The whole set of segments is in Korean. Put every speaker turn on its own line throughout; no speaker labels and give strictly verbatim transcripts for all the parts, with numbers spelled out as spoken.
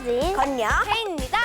서진,
건영,
혜인입니다.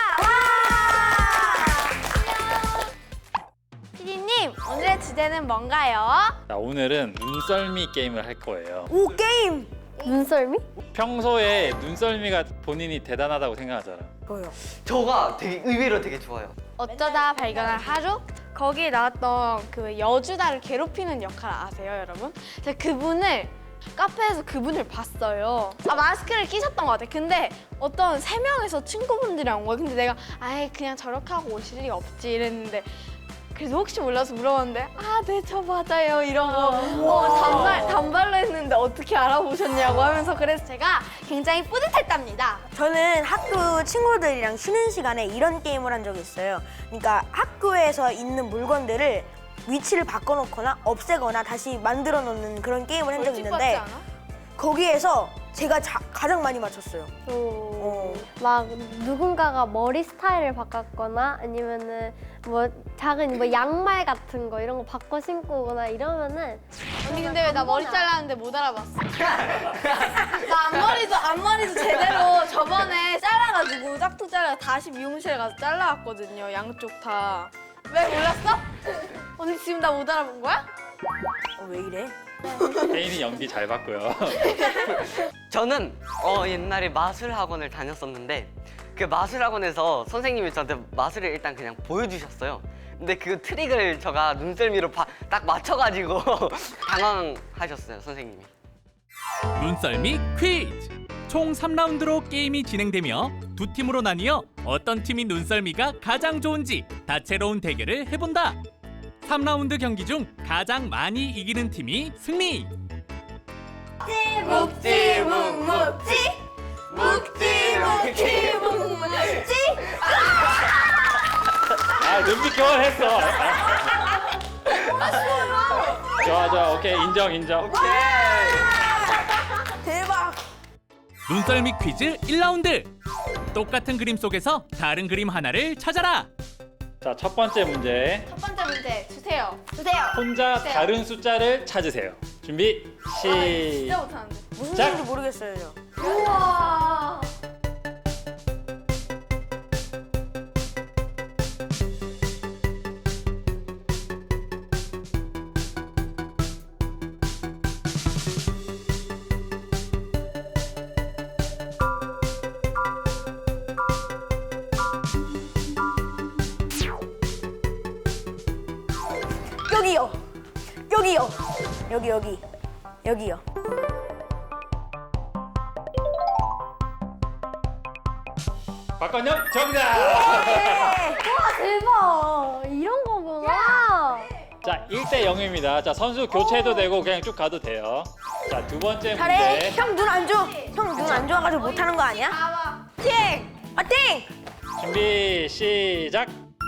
피디님, 오늘의 주제는 뭔가요?
자, 오늘은 눈썰미 게임을 할 거예요.
오 게임!
눈썰미?
평소에 눈썰미가 본인이 대단하다고 생각하잖아.
뭐요?
저가 되게 의외로 되게 좋아요.
어쩌다 발견한 하루? 거기에 나왔던 그 여주다를 괴롭히는 역할 아세요, 여러분? 제가 그분을 카페에서 그분을 봤어요. 아, 마스크를 끼셨던 것 같아. 근데 어떤 세 명에서 친구분들이랑 온 거야. 근데 내가 아예 그냥 저렇게 하고 오실 리가 없지 이랬는데 그래서 혹시 몰라서 물어봤는데 아, 네, 저 맞아요 이러고 어, 단발, 단발로 했는데 어떻게 알아보셨냐고 하면서 그래서 제가 굉장히 뿌듯했답니다.
저는 학교 친구들이랑 쉬는 시간에 이런 게임을 한 적이 있어요. 그러니까 학교에서 있는 물건들을 위치를 바꿔놓거나 없애거나 다시 만들어 놓는 그런 게임을 한 적이 있는데
벌칙 받지 않아?
거기에서 제가 자, 가장 많이 맞췄어요.
오. 막 누군가가 머리 스타일을 바꿨거나 아니면은 뭐 작은 뭐 양말 같은 거 이런 거 바꿔 신고 오거나 이러면은
언니 근데 왜 나 머리 잘랐는데 못 알아봤어? 나 앞머리도 앞머리도 제대로 저번에 잘라가지고 짝퉁 잘라 다시 미용실 가서 잘라왔거든요. 양쪽 다. 왜 몰랐어? 언니 지금 나 못 알아본 거야?
어, 왜 이래?
혜인이 연기 잘 봤고요.
저는 어, 옛날에 마술 학원을 다녔었는데 그 마술 학원에서 선생님이 저한테 마술을 일단 그냥 보여주셨어요. 근데 그 트릭을 제가 눈썰미로 바, 딱 맞춰가지고 당황하셨어요, 선생님이.
눈썰미 퀴즈! 총 삼 라운드로 게임이 진행되며 두 팀으로 나뉘어 어떤 팀이 눈썰미가 가장 좋은지 다채로운 대결을 해본다. 삼 라운드 경기 중 가장 많이 이기는 팀이 승리!
묵지 묵묵지 묵지 묵지 묵묵지.
아, 눈빛 교환했어. 좋아, 좋아. 오케이, 인정, 인정.
대박!
눈썰미 퀴즈 일 라운드! 똑같은 그림 속에서 다른 그림 하나를 찾아라!
자, 첫 번째 문제.
첫 번째 문제 주세요. 주세요.
혼자
주세요.
다른 숫자를 찾으세요. 준비,
진짜
시작!
못하는데.
무슨
자.
소리인지 모르겠어요, 저.
우와.
여기요! 여기요! 여기, 여기. 여기요.
박건영 정답!
대박! 이런 거구나.
자, 일 대 영입니다. 자, 선수 교체도 되고 그냥 쭉 가도 돼요. 자, 두 번째
잘해!
문제.
형 눈 안 좋아! 형 눈 안 좋아가지고 못하는 거 아니야?
봐봐.
파이팅! 파이팅!
준비, 시작!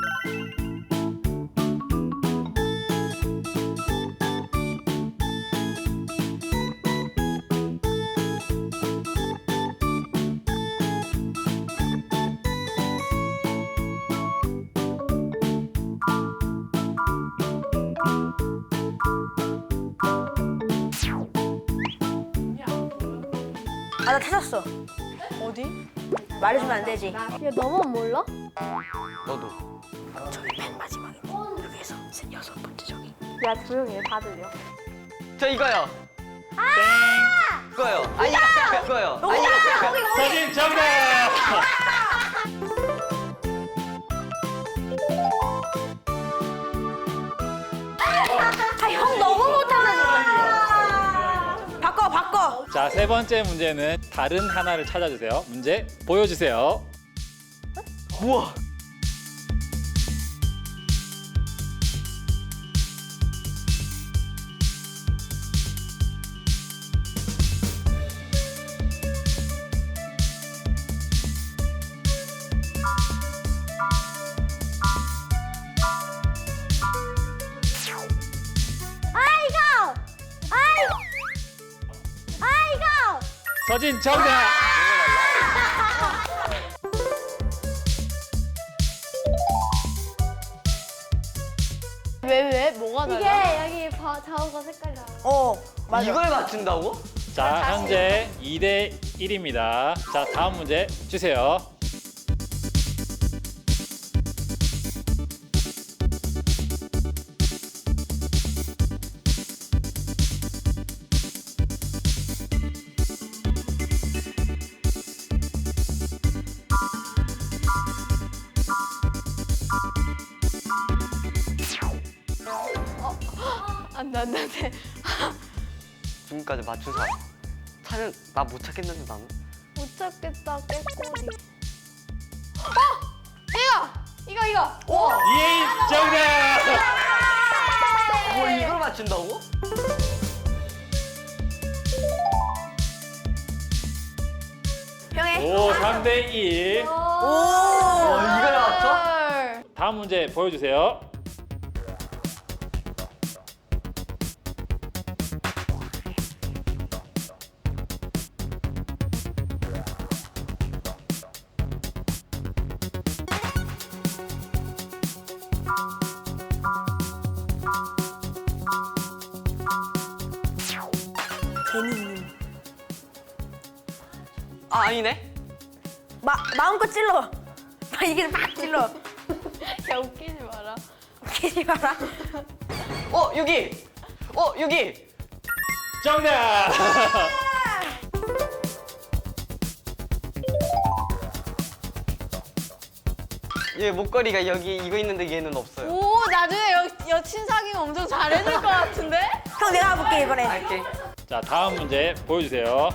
아, 나 찾았어.
어디?
말해주면 안 되지.
야, 너만 몰라?
너도.
저기 맨 마지막에. 여기에서 세- 여섯 번째 저기.
야, 조용히 해. 다 들려.
저 이거요. 이거요. 아니, 이거요. 아니,
서진 정답!
아, 형 너무 못하네. 바꿔, 바꿔.
자, 세 번째 문제는 다른 하나를 찾아주세요. 문제 보여주세요.
우와.
아이고! 아이고! 아이고!
서진 정답!
왜 왜? 뭐가 달라?
이게 여기 바, 자오가 색깔이 달라.
어, 맞아.
이걸 맞춘다고?
자, 현재 이 대 일입니다. 자, 다음 문제 주세요.
안돼 안돼 안돼.
지금까지 맞춘 사람. 사는 나 못 찾겠는데 나는.
못 찾겠다 깨꼬리. 어! 이거 이거 이거. 오.
이혜인 정답.
뭐 이걸 맞춘다고?
형의
오, 삼 대 일.
오.
어, 이걸 맞춰?
헐.
다음 문제 보여주세요.
제니님.
아 아니네.
마 마음껏 찔러. 막 이게 막 찔러.
야 웃기지 마라.
웃기지 마라.
어 여기. 어 여기.
정답.
얘 목걸이가 여기 이거 있는데 얘는 없어요.
오 나중에 여, 여친 사귀면 엄청 잘해줄 것 같은데?
형 내가 해볼게 이번에.
알게.
자, 다음 문제 보여주세요.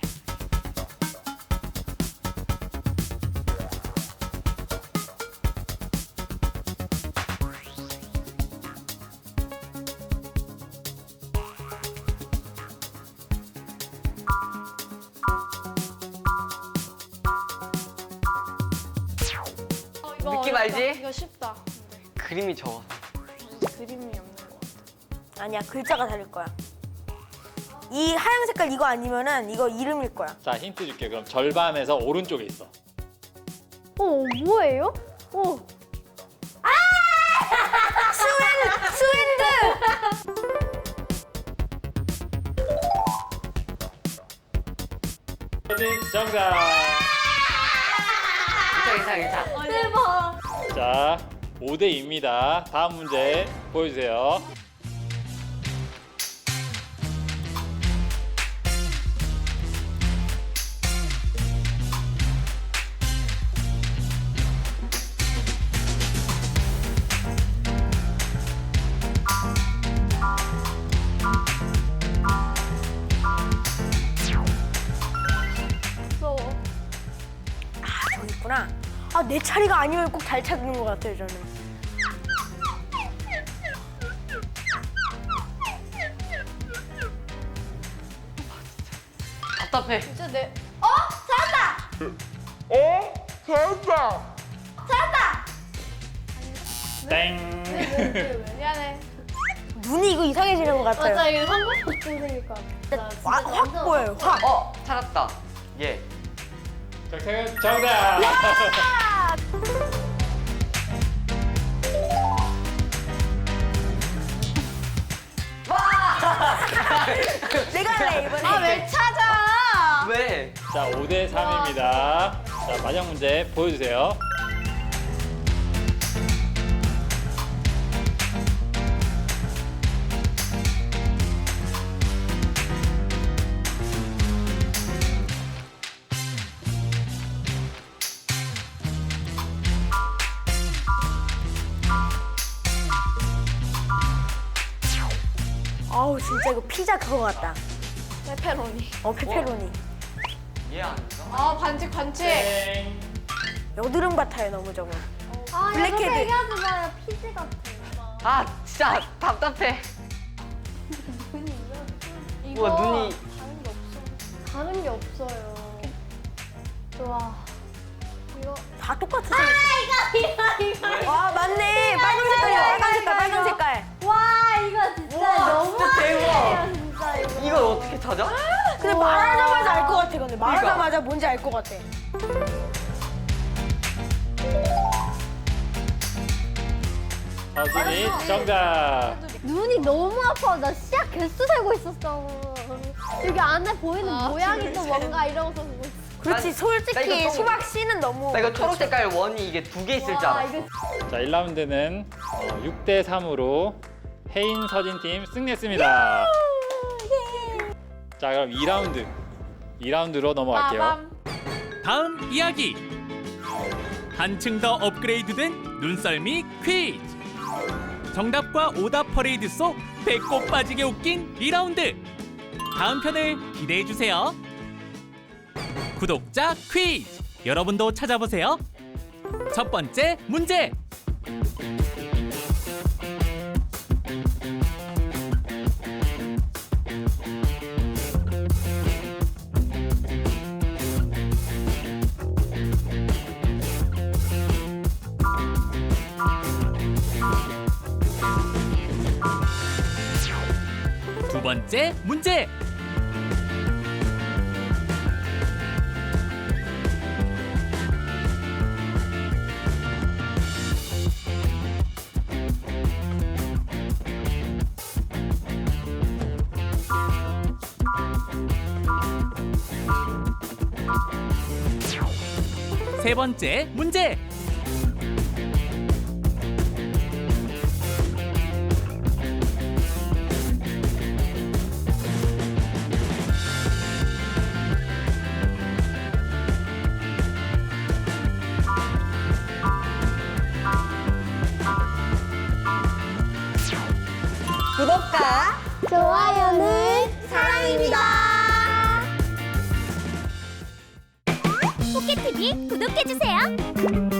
어, 이거
느낌
어렵다.
알지?
이거 쉽다.
그림이 적어.
근데 그림이 없는 것 같아.
아니야 글자가 다를 거야. 이 하얀 색깔 이거 아니면은 이거 이름일 거야.
자, 힌트 줄게. 그럼 절반에서 오른쪽에 있어.
어 뭐예요? 어.
혜진 정답.
괜찮아 괜찮아 괜찮아.
대박.
자, 오 대 이입니다. 다음 문제 보여주세요.
무서워.
아 저기 있구나. 아 내 차례가 아니면 꼭 잘 찾는 것 같아요 저는.
답답해.
진짜 내.
땡.
미안해.
눈이 이거 이상해지는 것 같아요.
맞아 이거 한국도 생길 것 같아.
와, 확 보여요. 확.
어 찾았다. 예.
정답. 정답.
내가 할래 이번에.
아 왜 찾아?
왜?
자, 오 대 삼입니다. 자, 마지막 문제 보여주세요.
아우 진짜 이거 피자 그거 같다.
페페로니.
어 페페로니.
얘 아닌가?
아 반칙 반칙.
땡.
여드름 같아요 너무 저거.
아 이거
블랙헤드.
얘기하지 마요. 피지 같아.
아 진짜 답답해.
이거
우와 눈이.
다른 게 없어.
다른 게 없어요. 좋아. 이거
다 똑같은.
아 이거 이거 이거.
와 맞네. 빨간 색깔이야. 빨간 색깔 빨간 색깔.
와 이거 진짜
우와,
너무
진짜 대박.
아니에요 진짜 이거.
이걸 어떻게 찾아?
근데
우와.
말하자마자 알 것 같아. 근데 말하자마자 뭔지 알 것 같아.
서진이 정답.
눈이 너무 아파. 나 시약 개수 세고 있었어. 여기 안에 보이는
아,
모양이 또 뭔가 이러고서 보고 있어.
그렇지
나
솔직히
이거
수박 씨는 너무.
나 이거 초록 색깔 원이 이게 두 개 있을 줄
와
알았어.
이거
자, 일 라운드는 육 대 삼으로 혜인 서진 팀 승리했습니다. 자, 그럼 이 라운드. 이 라운드로 넘어갈게요.
빠밤.
다음 이야기. 한층 더 업그레이드된 눈썰미 퀴즈. 정답과 오답 퍼레이드 속 배꼽 빠지게 웃긴 이 라운드. 다음 편을 기대해 주세요. 구독자 퀴즈. 여러분도 찾아보세요. 첫 번째 문제. 두 번째 문제. 세 번째 문제.
구독과
좋아요는
사랑입니다.
포켓티비 구독해주세요.